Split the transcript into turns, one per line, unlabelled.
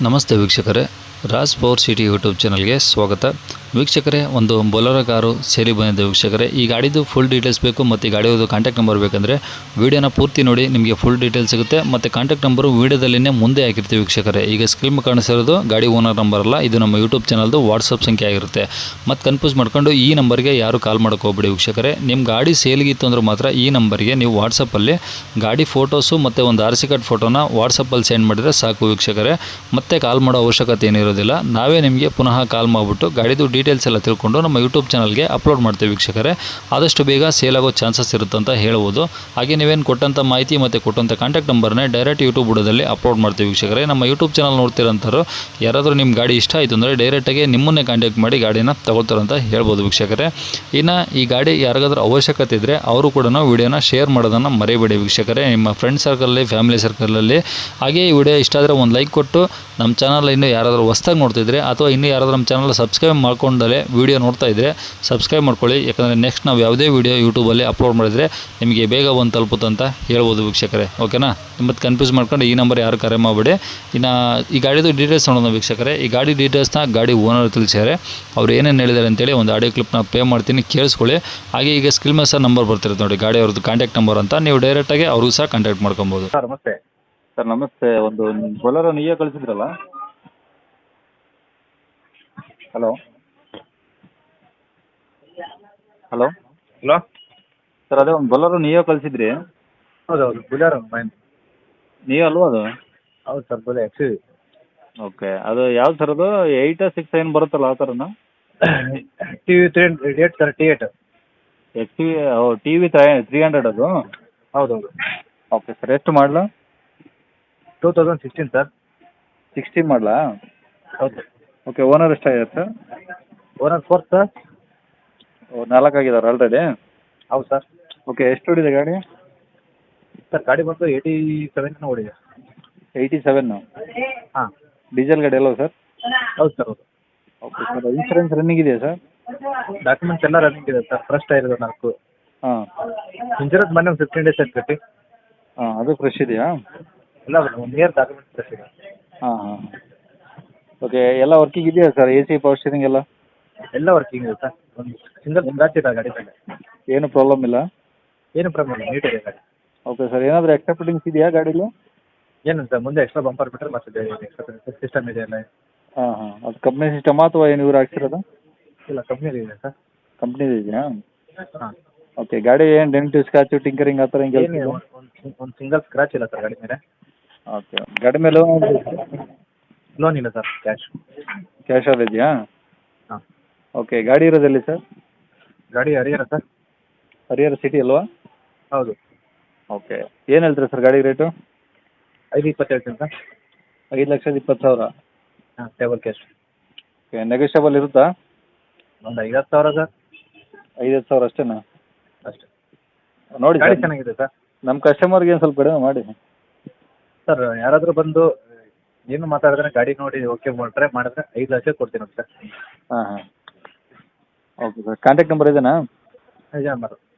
ನಮಸ್ತೆ ವೀಕ್ಷಕರೇ, Raj power city YouTube ಚಾನಲ್ಗೆ ಸ್ವಾಗತ. ವೀಕ್ಷಕರೇ, ಒಂದು ಬೊಲೆರೋ ಕಾರು ಸೇರಿ ಬಂದಿದೆ ವೀಕ್ಷಕರೇ. ಈ ಗಾಡಿದು ಫುಲ್ ಡೀಟೇಲ್ಸ್ ಬೇಕು ಮತ್ತು ಈ ಗಾಡಿಯದು ಕಾಂಟ್ಯಾಕ್ಟ್ ನಂಬರ್ ಬೇಕಂದರೆ ವೀಡಿಯೋನ ಪೂರ್ತಿ ನೋಡಿ, ನಿಮಗೆ ಫುಲ್ ಡೀಟೇಲ್ಸ್ ಸಿಗುತ್ತೆ. ಮತ್ತು ಕಾಂಟ್ಯಾಕ್ಟ್ ನಂಬರು ವೀಡಿಯೋದಲ್ಲಿನೇ ಮುಂದೆ ಹಾಕಿರ್ತೀವಿ ವೀಕ್ಷಕರೇ. ಈಗ ಸ್ಕ್ರೀನ್ ಕಾಣಿಸಿರೋದು ಗಾಡಿ ಓನರ್ ನಂಬರ್ ಅಲ್ಲ, ಇದು ನಮ್ಮ ಯೂಟ್ಯೂಬ್ ಚಾನಲ್ದು ವಾಟ್ಸಪ್ ಸಂಖ್ಯೆ ಆಗಿರುತ್ತೆ. ಮತ್ತು ಕನ್ಫ್ಯೂಸ್ ಮಾಡ್ಕೊಂಡು ಈ ನಂಬರ್ಗೆ ಯಾರು ಕಾಲ್ ಮಾಡೋಕೆ ಹೋಗ್ಬೇಡಿ ವೀಕ್ಷಕರೇ. ನಿಮ್ಮ ಗಾಡಿ ಸೇಲ್ಗಿತ್ತು ಅಂದ್ರೆ ಮಾತ್ರ ಈ ನಂಬರ್ಗೆ ನೀವು ವಾಟ್ಸಪ್ಪಲ್ಲಿ ಗಾಡಿ ಫೋಟೋಸು ಮತ್ತು ಒಂದು ಆರ್ ಸಿ ಕಾರ್ಡ್ ಫೋಟೋನ ವಾಟ್ಸಪ್ಪಲ್ಲಿ ಸೆಂಡ್ ಮಾಡಿದರೆ ಸಾಕು ವೀಕ್ಷಕರೇ. ಮತ್ತೆ ಕಾಲ್ ಮಾಡೋ ಅವಶ್ಯಕತೆ ಏನಿರೋದಿಲ್ಲ. ನಾವೇ ನಿಮಗೆ ಪುನಃ ಕಾಲ್ ಮಾಡಿಬಿಟ್ಟು ಗಾಡಿದು ಡೀಟೇಲ್ಸ್ ಎಲ್ಲ ತಿಳ್ಕೊಂಡು ನಮ್ಮ ಯೂಟ್ಯೂಬ್ ಚಾನಲ್ಗೆ ಅಪ್ಲೋಡ್ ಮಾಡ್ತೀವಿ ವೀಕ್ಷಕರೇ. ಆದಷ್ಟು ಬೇಗ ಸೇಲ್ ಆಗೋ ಚಾನ್ಸಸ್ ಇರುತ್ತೆ ಅಂತ ಹೇಳ್ಬೋದು. ಹಾಗೆ ನೀವೇನು ಕೊಟ್ಟಂಥ ಮಾಹಿತಿ ಮತ್ತು ಕೊಟ್ಟಂಥ ಕಾಂಟ್ಯಾಕ್ಟ್ ನಂಬರ್ನೇ ಡೈರೆಕ್ಟ್ ಯೂಟ್ಯೂಬ್ ಬುಡದಲ್ಲಿ ಅಪ್ಲೋಡ್ ಮಾಡ್ತೀವಿ ವೀಕ್ಷಕರೇ. ನಮ್ಮ ಯೂಟ್ಯೂಬ್ ಚಾನಲ್ ನೋಡ್ತಿರೋಂಥವ್ರು ಯಾರಾದರೂ ನಿಮ್ಮ ಗಾಡಿ ಇಷ್ಟ ಆಯಿತು ಅಂದರೆ ಡೈರೆಕ್ಟಾಗಿ ನಿಮ್ಮನ್ನೇ ಕಾಂಟ್ಯಾಕ್ಟ್ ಮಾಡಿ ಗಾಡಿನ ತಗೊಳ್ತಾರಂತ ಹೇಳ್ಬೋದು ವೀಕ್ಷಕರೇ. ಇನ್ನು ಈ ಗಾಡಿ ಯಾರಿಗಾದ್ರೂ ಅವಶ್ಯಕತೆ ಇದ್ದರೆ ಅವರು ಕೂಡ ವೀಡಿಯೋನ ಶೇರ್ ಮಾಡೋದನ್ನು ಮರಿಬೇಡಿ ವೀಕ್ಷಕರೇ. ನಿಮ್ಮ ಫ್ರೆಂಡ್ ಸರ್ಕಲಲ್ಲಿ, ಫ್ಯಾಮಿಲಿ ಸರ್ಕಲಲ್ಲಿ. ಹಾಗೆ ಈ ವಿಡಿಯೋ ಇಷ್ಟ ಆದರೆ ಒಂದು ಲೈಕ್ ಕೊಟ್ಟು ನಮ್ಮ ಚಾನಲ್ ಇನ್ನೂ ಯಾರಾದರೂ ಹೊಸ್ದಾಗಿ ನೋಡ್ತಿದ್ರೆ ಅಥವಾ ಇನ್ನೂ ಯಾರಾದರೂ ನಮ್ಮ ಚಾನಲ್ ಸಬ್ಸ್ಕ್ರೈಬ್ ಮಾಡ್ಕೊಂಡಲೇ ವೀಡಿಯೋ ನೋಡ್ತಾ ಇದ್ದರೆ ಸಬ್ಸ್ಕ್ರೈಬ್ ಮಾಡ್ಕೊಳ್ಳಿ. ಯಾಕಂದರೆ ನೆಕ್ಸ್ಟ್ ನಾವು ಯಾವುದೇ ವೀಡಿಯೋ ಯೂಟ್ಯೂಬಲ್ಲಿ ಅಪ್ಲೋಡ್ ಮಾಡಿದರೆ ನಿಮಗೆ ಬೇಗ ಬಂದು ತಲುಪುತ್ತೆ ಅಂತ ಹೇಳ್ಬೋದು ವೀಕ್ಷಕರೇ. ಓಕೆನಾ? ನಿಮ್ಮದು ಕನ್ಫ್ಯೂಸ್ ಮಾಡ್ಕೊಂಡು ಈ ನಂಬರ್ ಯಾರು ಕರೆ ಮಾಡಬೇಡಿ. ಇನ್ನು ಈ ಗಾಡಿದು ಡೀಟೇಲ್ಸ್ ನೋಡೋಣ ವೀಕ್ಷಕರೇ. ಈ ಗಾಡಿ ಡೀಟೇಲ್ಸ್ನ ಗಾಡಿ ಓನರ್ ತಿಳಿಸ್ಯಾರೆ. ಅವ್ರು ಏನೇನು ಹೇಳಿದ್ದಾರೆ ಅಂತೇಳಿ ಒಂದು ಆಡಿಯೋ ಕ್ಲಿಪ್ನ ಪೇ ಮಾಡ್ತೀನಿ, ಕೇಳಿಸ್ಕೊಳ್ಳಿ. ಹಾಗೆ ಈಗ ಸ್ಕ್ರೀನ್ ಮೇಲೆ ಸಹ ನಂಬರ್ ಬರ್ತಿರುತ್ತೆ ನೋಡಿ, ಗಾಡಿ ಅವ್ರದ್ದು ಕಾಂಟ್ಯಾಕ್ಟ್ ನಂಬರ್ ಅಂತ. ನೀವು ಡೈರೆಕ್ಟಾಗಿ ಅವ್ರಿಗೂ ಸಹ ಕಾಂಟ್ಯಾಕ್ಟ್ ಮಾಡ್ಕೊಬೋದು.
ಸರ್ ನಮಸ್ತೆ. ಸರ್ ನಮಸ್ತೆ, ಒಂದು ಬೊಲೆರೋ ನೀವೇ ಕಳಿಸಿದ್ರಲ್ಲ? Hello hello
hello.
ಸರ್ ಅದೇ ಒಂದು ಬೊಲೆರೋ ನೀವೇ ಕಳಿಸಿದ್ರಿ?
ಹೌದೌದು, ಬುಲೆರೋ ಮೈನ್.
ನೀವೇ ಅಲ್ವಾ ಅದು?
ಹೌದು ಸರ್, ಬುಲೆ ಎಕ್ಸ್ ಯು.
ಓಕೆ, ಅದು ಯಾವ್ದು ಸರ್ ಅದು? 8 ಏನು ಬರುತ್ತಲ್ಲ ಆ ಥರನಾ?
T V 308 sir, T8.
T V 300 ಅದು?
ಹೌದೌದು.
ಓಕೆ ಸರ್, ಎಷ್ಟು ಮಾಡಲ?
2016 ಸರ್.
16 ಮಾಡಲಾ?
ಹೌದು.
ಓಕೆ, ಓನರ್ ಎಷ್ಟಾಗಿದೆ ಸರ್?
ಓನರ್ 4 ಸರ್.
4 ಆಗಿದ್ದಾರೆ ಆಲ್ರೆಡಿ?
ಹೌದು ಸರ್.
ಓಕೆ, ಎಷ್ಟು ಹೊಡಿದೆ ಗಾಡಿ?
ಸರ್ ಗಾಡಿ ಬಂದು 87 ಓಡಿದೆ.
87?
ಹಾಂ.
ಡೀಸೆಲ್ ಗಾಡಿ ಅಲ್ವಾ ಸರ್?
ಹೌದು ಸರ್, ಹೌದು.
ಓಕೆ ಸರ್, ಇನ್ಸೂರೆನ್ಸ್ ರನ್ನಿಂಗ್ ಇದೆಯಾ ಸರ್?
ಡಾಕ್ಯುಮೆಂಟ್ಸ್ ಎಲ್ಲ ರನ್ನಿಂಗ್ ಇದೆ ಸರ್. Fresh tyre 4.
ಹಾಂ.
ಇನ್ಶೂರೆನ್ಸ್ ಮೊನ್ನೆ ಒಂದು 15 ಡೇಸ್ ಆಯ್ತು ಕಟ್ಟಿ.
ಹಾಂ, ಅದು ಫ್ರೆಶ್ ಇದೆಯಾ?
ಎಲ್ಲ 1 ಇಯರ್ ಡಾಕ್ಯುಮೆಂಟ್ಸ್ ಫ್ರೆಶ್ ಇದೆ.
ಹಾಂ ಹಾಂ. ಓಕೆ, ಎಲ್ಲ ವರ್ಕಿಂಗ್ ಇದೆಯಾ sir? A C, power steering ಎಲ್ಲ?
ಎಲ್ಲ ವರ್ಕಿಂಗ್ ಇದೆ ಸರ್. ಒಂದು ಸಿಂಗಲ್ ಸ್ಕ್ರಾಚ್ ಇದೆ ಗಾಡಿ ಮೇಲೆ.
ಏನು ಪ್ರಾಬ್ಲಮ್ ಇಲ್ಲ?
ಏನು ಪ್ರಾಬ್ಲಮ್ ಇಲ್ಲ, ನೀಟ್ ಇದೆ ಗಾಡಿ.
ಓಕೆ ಸರ್, ಏನಾದರೂ ಎಕ್ಸ್ಟ್ರಾ ಫಿಟ್ಟಿಂಗ್ಸ್ ಇದೆಯಾ ಗಾಡೀಲಿ?
ಏನು ಸರ್, ಮುಂದೆ ಎಕ್ಸ್ಟ್ರಾ ಬಂಪರ್ ಬಿಟ್ಟರೆ ಮತ್ತೆ ಎಕ್ಸ್ಟ್ರಾ ಸಿಸ್ಟಮ್ ಇದೆ ಎಲ್ಲ.
ಹಾಂ ಹಾಂ. ಅದು ಕಂಪ್ನಿ ಸಿಸ್ಟಮಾ ಅಥವಾ ಏನು ಇವ್ರು ಹಾಕ್ಸಿರೋದು?
ಇಲ್ಲ, ಕಂಪ್ನಿಯಲ್ಲಿ ಇದೆ ಸರ್.
ಕಂಪ್ನಿದು ಇದೆಯಾ?
ಹಾಂ.
ಓಕೆ, ಗಾಡಿ ಏನು ಡೆಂಟು, ಸ್ಕ್ರಾಚು, ಟಿಂಕರಿಂಗ್ ಆ ಥರ ಹಿಂಗೆ?
ಏನು ಒಂದು ಸಿಂಗಲ್ ಸ್ಕ್ರಾಚ್ ಇಲ್ಲ ಸರ್ ಗಾಡಿ ಮೇಲೆ.
ಓಕೆ, ಗಾಡಿ ಮೇಲೆ
ಲೋನ್ ಇಲ್ಲ ಸರ್, ಕ್ಯಾಶ್.
ಕ್ಯಾಶಲ್ಲಿ ಇದೆಯಾ?
ಹಾಂ.
ಓಕೆ, ಗಾಡಿ ಇರೋದಲ್ಲಿ ಸರ್?
ಗಾಡಿ ಹರಿಹರ ಸರ್.
ಹರಿಹರ ಸಿಟಿ ಅಲ್ವಾ?
ಹೌದು.
ಓಕೆ, ಏನು ಹೇಳ್ತೀರಾ ಸರ್ ಗಾಡಿ ರೇಟು?
520 ಹೇಳ್ತೀನಿ ಸರ್.
5,20,000?
ಹಾಂ, ಟೇಬಲ್ ಕ್ಯಾಶ್.
ಓಕೆ, ನೆಗೋಷಿಯಬಲ್ ಇರುತ್ತಾ?
ಒಂದು 50,000 ಸರ್.
5,000 ಅಷ್ಟೇನಾ?
ಅಷ್ಟೇ.
ನೋಡಿ
ಗಾಡಿ
ಸರ್,
ಚೆನ್ನಾಗಿದೆ ಸರ್.
ನಮ್ಮ ಕಸ್ಟಮರ್ಗೆ ಏನು ಸ್ವಲ್ಪ ಕಡಿಮೆ ಮಾಡಿ.
ಸರ್ ಯಾರಾದರೂ ಬಂದು ಏನು ಮಾತಾಡಿದ್ರೆ ಗಾಡಿ ನೋಡಿ ಓಕೆ ಮಾಡಿದ್ರೆ 5 ಲಕ್ಷ ಕೊಡ್ತೀನಿ ಸರ್.
ಹಾಂ ಹಾಂ. ಓಕೆ ಸರ್, ಕಾಂಟ್ಯಾಕ್ಟ್ ನಂಬರ್ ಇದೆಯಾ?
ನಿಜ ನಂಬರ್.